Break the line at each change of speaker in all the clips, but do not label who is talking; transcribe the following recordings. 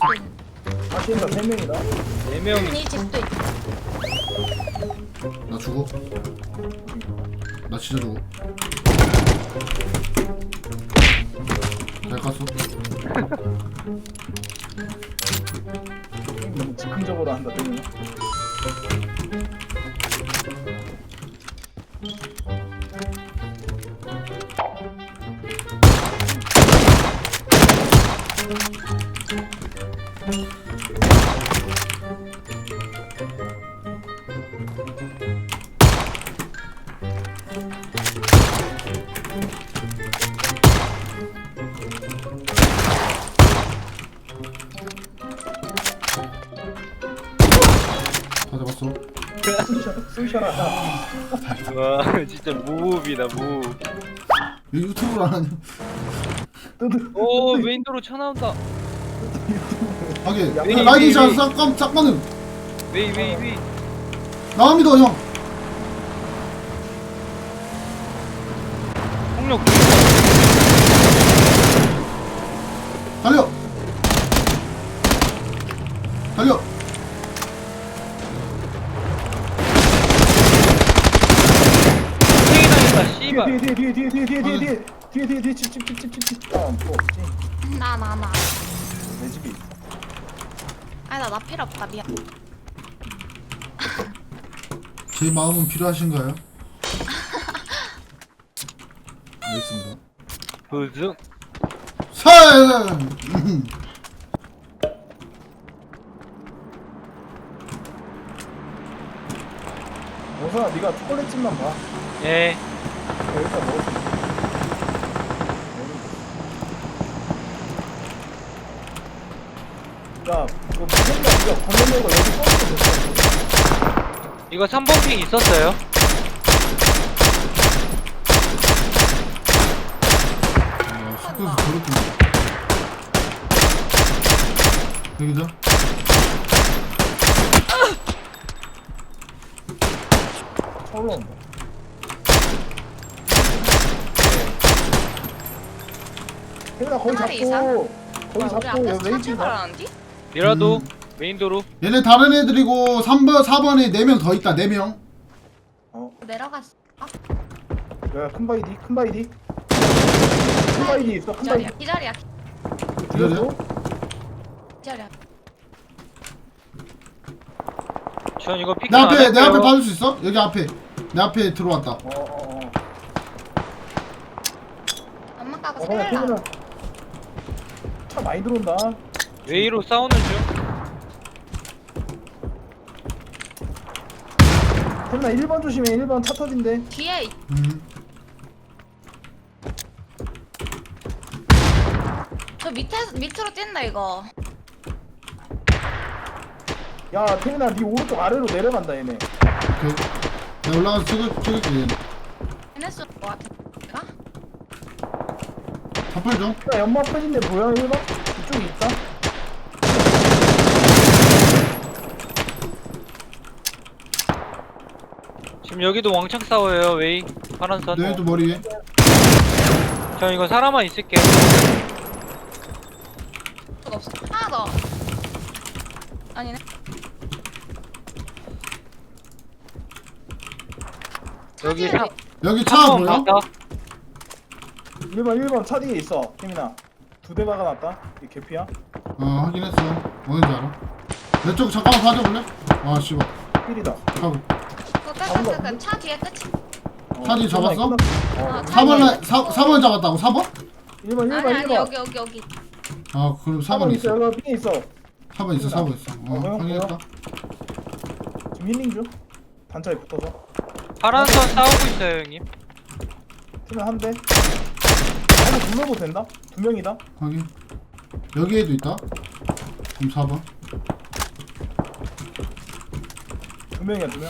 아시인가 3명이다.
4명이
이 집도 있다.
나 죽어. 나 진짜 죽어. 잘 깠어.
너무 즉흥적으로 한다 때문에.
다 잡았어.
쑤셔라다.
와 진짜 무흡이다 무흡.
왜 유튜브를 안 하냐?
오 메인도로 차 나온다.
하게.
야,
야, 라이딩 샷 짝만은
웨이
나옵니다 형.
폭력.
달려. 달려.
세이당했다 씨발.
뒤에 집.
나.
내 집이 있어.
아니 나 필요 없다 미안.
제 마음은 필요하신가요? 알겠습니다.
부승.
살.
오선아 네가 초콜릿집만 봐.
예.
여기다 먹었어. 야, 이거 무슨 거 건너는 거 여기 써도 됐어.
이거 3번 핑 있었어요?
숙소에서 저렇게. 여기죠?
차올라 온다. 태민아 거기
하나리 이상?
잡고 거기
우리
잡고
앞에서 차
웨이팅 가.
출발하는디?
미라도 메인도로.
얘네 다른 애들이고 3번, 4번에 4명 더 있다. 4명.
내려갔어.
야, 큰 바이디. 큰 바이디 있어. 큰
기다려
바이디.
기다려
기다려?
기다려.
전 이거 피킹
내
안
앞에
할게요.
봐줄 수 있어? 여기 앞에. 내 앞에 들어왔다.
엄마 까고
그냥
살라.
태민아 차 많이 들어온다.
웨이로 싸우는 중.
태민아 1번 조심해. 1번 차 터진대.
뒤에 저 밑으로 뛴다 이거.
야, 태민아 네 오른쪽 아래로 내려간다 얘네.
오케이. 내가 올라가서 찍을게. 얘네.
얘네 쏠 것 같아. 내가?
사팔 좀.
야, 연막 터진데 보여 1번? 이쪽에 있다.
지금 여기도 왕창 싸워요 웨이. 파란선.
너희도 머리 위에.
전 이거 사람만 있을게요.
그거 없어. 하나 더. 아니네.
여기
차지를
여기 차
3번
보여?
봤다.
1번 차 뒤에 있어. 태민아 2대 박아놨다. 이 개피야.
확인했어. 어딘지 알아. 내 쪽 잠깐만 봐줘볼래? 아 씨발.
1이다.
하고.
그거 뺐어. 그 차 뒤에 끝이.
차 뒤에 잡았어?
어,
4번 4번 잡았다고 4번?
1번
아니
1번
여기.
아 그럼 4번
4번
있어.
있어. 여기 빈에 있어.
4번 있어. 4번 있어.
뭐야,
확인했다.
지금 힐링 중. 단차에 붙어서.
파란선 싸우고 있어요 형님.
태민아 한 대. 한대 둘러도 된다. 2명이다.
확인. 여기에도 있다. 지금 4번.
2명이야 2명.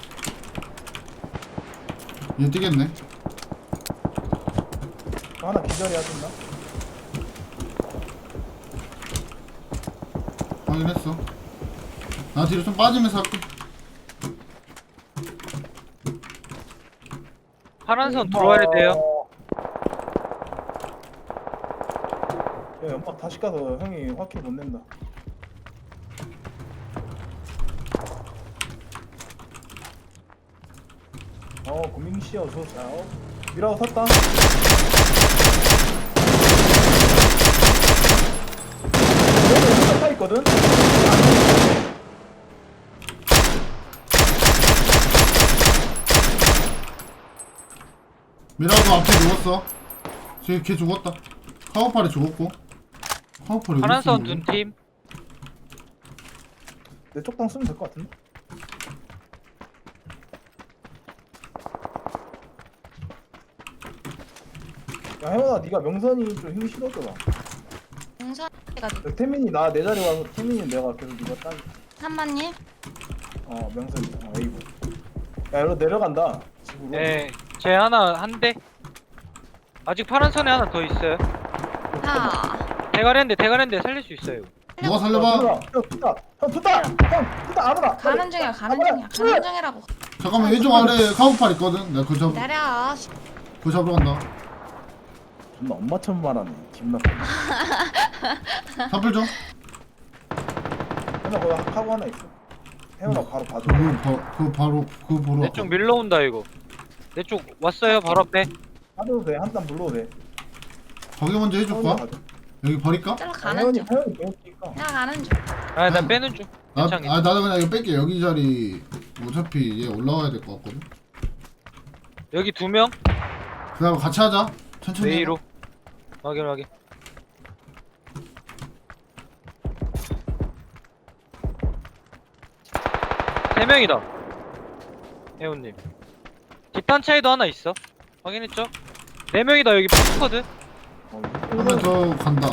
얘 뛰겠네.
하나 기절해야 된다.
확인했어. 나 뒤로 좀 빠지면서 할게.
파란선 들어와야 돼요.
야, 연막 다시 가서 형이 확킬 못 낸다. 고민씨 어서오세요. 미라고 섰다. 여기 타 있거든?
미라도 앞에 죽었어. 걔 죽었다. 카우팔이 죽었고. 카우팔이
파란선 둔팀.
내 쪽당 쓰면 될 것 같은데? 야 혜원아 네가 명선이 좀 힘이 실어줘라.
공사가
태민이 나 내 자리 와서 태민이 내가 계속 네가 따.
한마님.
명선이 에이브. 야 여기로 내려간다 집으로.
네, 제 하나 한 대. 아직 파란선에 하나 더 있어요.
하.
대가리인데 살릴 수 있어요.
누가 살려봐.
형 tus다. 형 tus다 아무나.
가는 중이야. 가는 중이라고.
잠깐만 왼쪽 아래 카우팔 있거든. 내가 그거
기다려.
잡으러 간다.
존나 엄마처럼 말하네. 기분 나빠.
사플 좀.
혜원아 거기 하고 하나 있어. 혜원아 바로 봐줘.
그거 바로 그거 보러.
내 쪽 밀러 온다 이거. 내 쪽 왔어요 바로 앞에.
봐도 돼. 한 땀 불러도 돼.
거기 먼저 해줄 거야? 여기 버릴까?
찔러 가는 중.
혜원이 배웠으니까.
나 가는 중.
나 빼는 중. 괜찮게.
나도 그냥 이거 뺄게. 여기 자리 어차피 얘 올라와야 될 것 같거든.
여기 2명.
그다음 같이 하자. 천천히.
웨이로. 확인. 3명이다. 혜원님. 뒷단 차이도 하나 있어. 확인했죠? 4명이다 여기 포스커드.
한명 더 간다.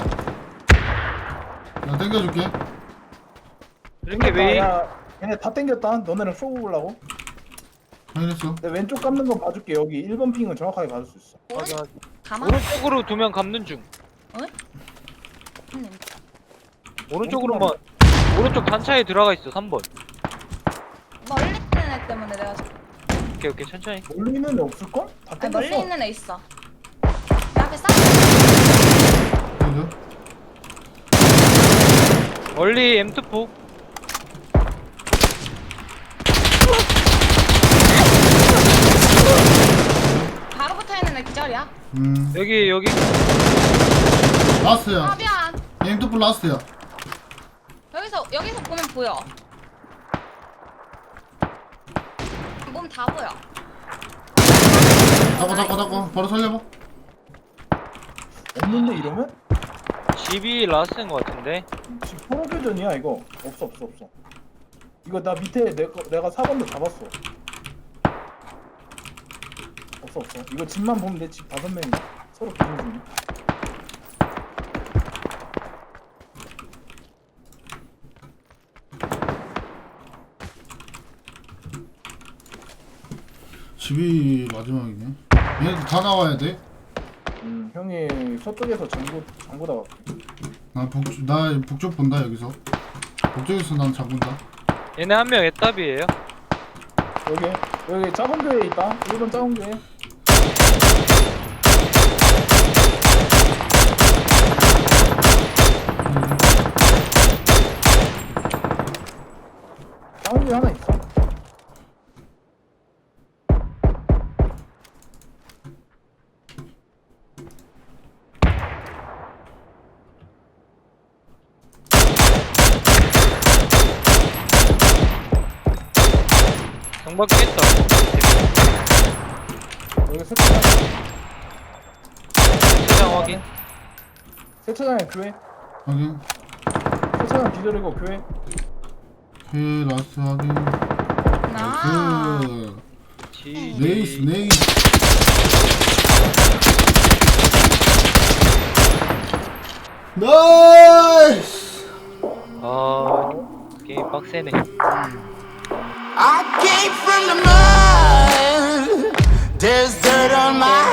나 땡겨줄게.
이렇게 웨이.
얘네 다 땡겼다. 너네랑 쏘고 보려고.
확인했어.
내 왼쪽 감는 거 봐줄게. 여기 1번 핑은 정확하게 봐줄 수 있어.
확인.
가만.
오른쪽으로 2명 감는 중.
님.
오른쪽으로만. 오른쪽 단차에 들어가 있어 3번.
멀리 있는 애 때문에 내가
오케이 천천히.
멀리 있는 애 없을걸? 다
아니, 멀리
땡겼어.
있는 애 있어. 내 앞에 싹.
그죠?
멀리 M24.
바로 붙어 있는 애 기절이야.
여기.
아
라스트야.
미안.
엠투플 라스트야.
여기서 보면 보여. 몸 다 보여.
잡아. 바로 살려봐.
없는데 이러면?
집이 라스인 것 같은데.
지금 포로교전이야 이거. 없어. 이거 나 밑에 내가 4번도 잡았어. 없어. 이거 집만 보면 내 집 5명이 서로 교전 중이야.
집이 마지막이네. 얘네들 다 나와야 돼.
형이 서쪽에서 장보다 갈게.
나 북쪽 본다 여기서. 북쪽에서 난 잡은다.
얘네 한 명 애답이에요.
여기 작은 교회에 있다. 1번 작은 교회. 작은 교회 하나 있어.
경박기 했다.
여기 세차장.
세장 확인.
세차장에 교회.
확인.
세차장 기절이고 교회.
오케이 라스트 확인.
나.
그
지.
네이스. 나이스.
게임 빡세네.
I came from the mud. There's dirt on my